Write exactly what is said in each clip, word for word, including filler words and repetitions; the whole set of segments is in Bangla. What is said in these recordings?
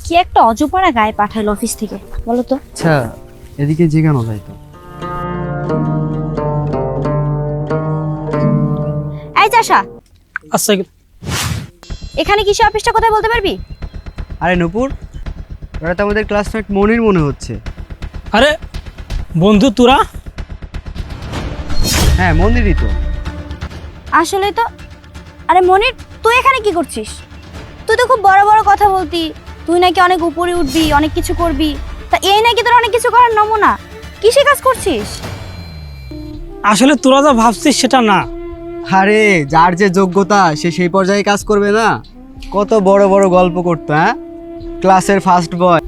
কি একটা অজপাড়া গায়ে পাঠাইলো অফিস থেকে বলো তো। আচ্ছা এদিকে জিগানো যায় তো? এই চাষা, আচ্ছা এখানে কৃষি অফিসটা কোথায় বলতে পারবি? আরে নূপুর, ওরা তো আমাদের ক্লাসমেট মনির মনে হচ্ছে। আরে বন্ধু তোরা? হ্যাঁ মনিরই তো। আসলে তো। আরে মনির, তুই এখানে কি করছিস? তুই তো খুব বড় বড় কথা বলতি, তুই নাকি অনেক উপরে উঠবি, অনেক কিছু করবি। তা এই নাকি তোর অনেক কিছু করার নমুনা? কিসে কাজ করছিস? আসলে তোরা যা ভাবছিস সেটা না। আরে যার যে যোগ্যতা সে সেই পর্যায়ে কাজ করবে না? কত বড় বড় গল্প করতো, হ্যাঁ, ক্লাসের ফার্স্ট বয়।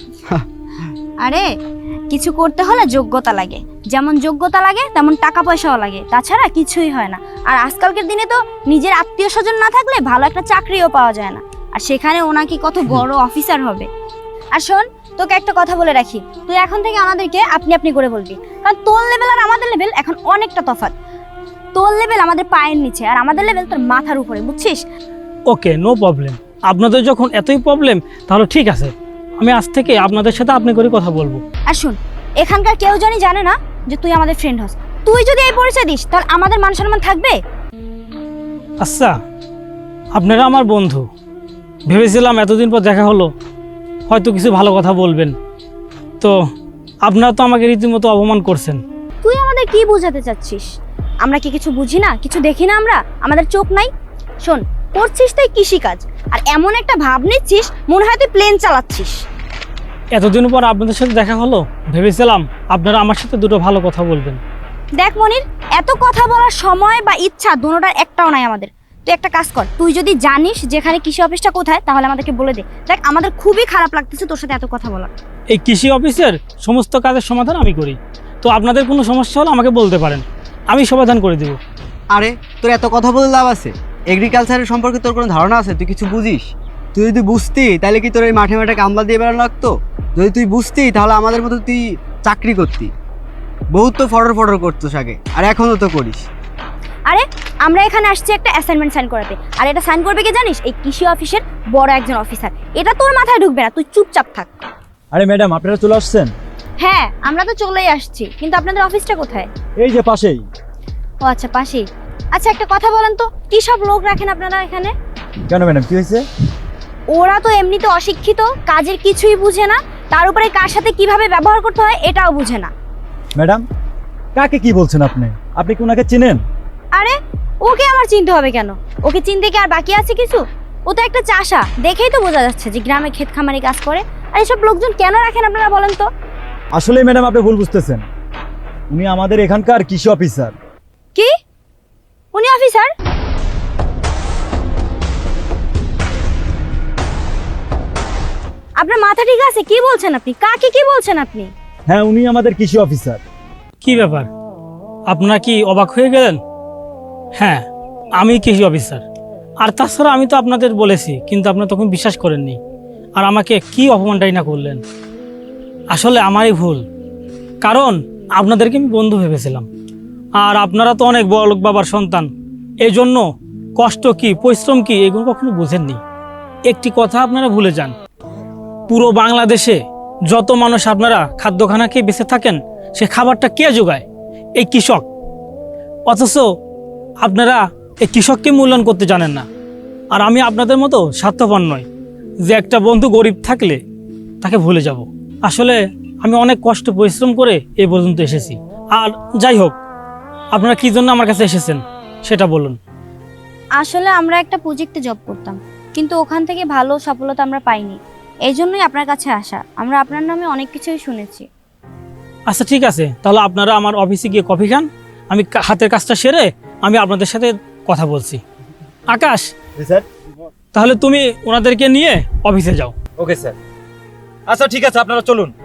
আরে কিছু করতে হলে যোগ্যতা লাগে, যেমন যোগ্যতা লাগে তেমন টাকা পয়সাও লাগে, তাছাড়া কিছুই হয় না। আর আজকালকার দিনে তো নিজের আত্মীয় স্বজন না থাকলে ভালো একটা চাকরিও পাওয়া যায় না, আর সেখানে ও নাকি কত বড় অফিসার হবে। আর শোন, তোকে একটা কথা বলে রাখি, তুই এখন থেকে আমাদেরকে আপনি আপনি করে বলবি, কারণ তোর লেভেল আর আমাদের লেভেল এখন অনেকটা তফাৎ। তোর লেভেল আমাদের পায়ের নিচে, আর আমাদের লেভেল তোর মাথার উপরে, বুঝছিস? Okay, no problem. আপনাদের যখন এতই প্রবলেম তাহলে ঠিক আছে, আমি আজ থেকে আপনাদের সাথে আপনি করে কথা বলবো। আর শোন, এখানকার কেউ জানি জানে না যে তুই আমাদের ফ্রেন্ড হস। তুই যদি এই পরিচয় দিস তাহলে আমাদের মান সম্মান থাকবে? আচ্ছা, আপনারা আমার বন্ধু, ভেবেছিলাম এতদিন পর দেখা হলো হয়তো কিছু ভালো কথা বলবেন, তো আপনারা তো আমাকে রীতিমতো অপমান করছেন। তুই আমাদের কি বোঝাতে চাচ্ছিস? আমরা কি কিছু বুঝি না, কিছু দেখি না আমরা? আমাদের চোখ নাই? শোন, করছিস তুই কৃষিকাজ, আর এমন একটা ভাব নিচ্ছিস মনে হয় তুই প্লেন চালাচ্ছিস। এতদিন পর আপনাদের সাথে দেখা হলো, ভেবেছিলাম আপনারা আমার সাথে দুটো ভালো কথা বলবেন। দেখ মনির, এত কথা বলার সময় বা ইচ্ছা দুটোটার একটাও নাই আমাদের। তুই একটা কাজ কর, তুই যদি জানিস যেখানে কৃষি অফিসটা কোথায় তাহলে আমাদেরকে বলে দে। দেখ, আমাদের খুবই খারাপ লাগতেছে তোর সাথে এত কথা বলা। এই কৃষি অফিসের সমস্ত কাজের সমাধান আমি করি, তো আপনাদের কোনো সমস্যা হলে আমাকে বলতে পারেন, আমি সমাধান করে দেব। আরে তোর এত কথা বলে লাভ আছে? এগ্রিকালচারের সম্পর্কে তোর কোনো ধারণা আছে? তুই কিছু বুঝিস? তুই যদি বুঝতি তাহলে কি তোর এই মাঠে মাঠে কামলা দিয়ে বেড়ানো লাগতো? যদি তুই বুঝতি তাহলে আমাদের মতো তুই চাকরি করতি। বহুত তো ফটর ফটর করতো আগে, আর এখনও তো করিস। আরে আমরা এখানে আসছি একটা অ্যাসাইনমেন্ট সাইন করাতে, আর এটা সাইন করবে কে জানিস? এই কৃষি অফিসের বড় একজন অফিসার। এটা তোর মাথায় ঢুকবে না, তুই চুপচাপ থাক। আরে ম্যাডাম, আপনারা চলে আসছেন? হ্যাঁ, আমরা তো চলেই আসছি, কিন্তু আপনাদের অফিসটা কোথায়? এই যে পাশেই। ও আচ্ছা, পাশেই। আচ্ছা একটা কথা বলেন তো, কি সব লোক রাখেন আপনারা এখানে? কেন ম্যাডাম, কি হয়েছে? ওরা তো এমনিতে অশিক্ষিত, কাজের কিছুই বুঝে না, তার উপরে কার সাথে কিভাবে ব্যবহার করতে হয় এটাও বুঝে না। ম্যাডাম, কাকে কি বলছেন আপনি? আপনি কি ওনাকে চেনেন? আরে ওকে আমার চিনতে হবে কেন? ওকে চিনতে কি আর বাকি আছে কিছু? ও তো একটা চাষা, দেখেই তো বোঝা যাচ্ছে যে গ্রামে ক্ষেত খামারি কাজ করে। আর এসব লোকজন কেন রাখেন আপনারা বলেন তো? আসলে ম্যাডাম, আপনি ভুল বুঝতেছেন। উনি আমাদের এখানকার কৃষি অফিসার। কি? উনি অফিসার? আপনার মাথা ঠিক আছে? কি বলছেন আপনি? কাকে কি বলছেন আপনি? হ্যাঁ, উনি আমাদের কৃষি অফিসার। কি ব্যাপার, আপনারা কি অবাক হয়ে গেলেন? হ্যাঁ, আমি কৃষি অফিসার। আর তাছাড়া আমি তো আপনাদের বলেছি, কিন্তু আপনারা তখন বিশ্বাস করেননি, আর আমাকে কি অপমানটাই না করলেন। আসলে আমারই ভুল, কারণ আপনাদেরকে আমি বন্ধু ভেবেছিলাম, আর আপনারা তো অনেক বড় লোক বাবার সন্তান, এই জন্য কষ্ট কি পরিশ্রম কি এগুলো কখনো বুঝেননি। একটি কথা আপনারা ভুলে যান, পুরো বাংলাদেশে যত মানুষ আপনারা খাদ্যখানা খেয়ে বেঁচে থাকেন, সে খাবারটা কে যোগায়? এই কৃষক। অথচ আপনারা এই কৃষককে মূল্যায়ন করতে জানেন না। আর আমি আপনাদের মতো স্বার্থপর নয় যে একটা বন্ধু গরিব থাকলে তাকে ভুলে যাব। আসলে আমি অনেক কষ্ট পরিশ্রম করে এই পর্যন্ত এসেছি। আর যাই হোক, আপনারা কি জন্য আমার কাছে এসেছেন সেটা বলুন। আসলে আমরা একটা প্রজেক্টে জব করতাম, কিন্তু ওখান থেকে ভালো সফলতা আমরা পাইনি, এই জন্যই আপনার কাছে আসা। আমরা আপনার নামে অনেক কিছুই শুনেছি। আচ্ছা ঠিক আছে, তাহলে আপনারা আমার অফিসে গিয়ে কফি খান, আমি কা- হাতের কাজটা সেরে আমি আপনাদের সাথে কথা বলছি। আকাশ, স্যার। তাহলে তুমি ওনাদেরকে নিয়ে অফিসে যাও। Okay sir. আচ্ছা ঠিক আছে, আপনারা চলুন।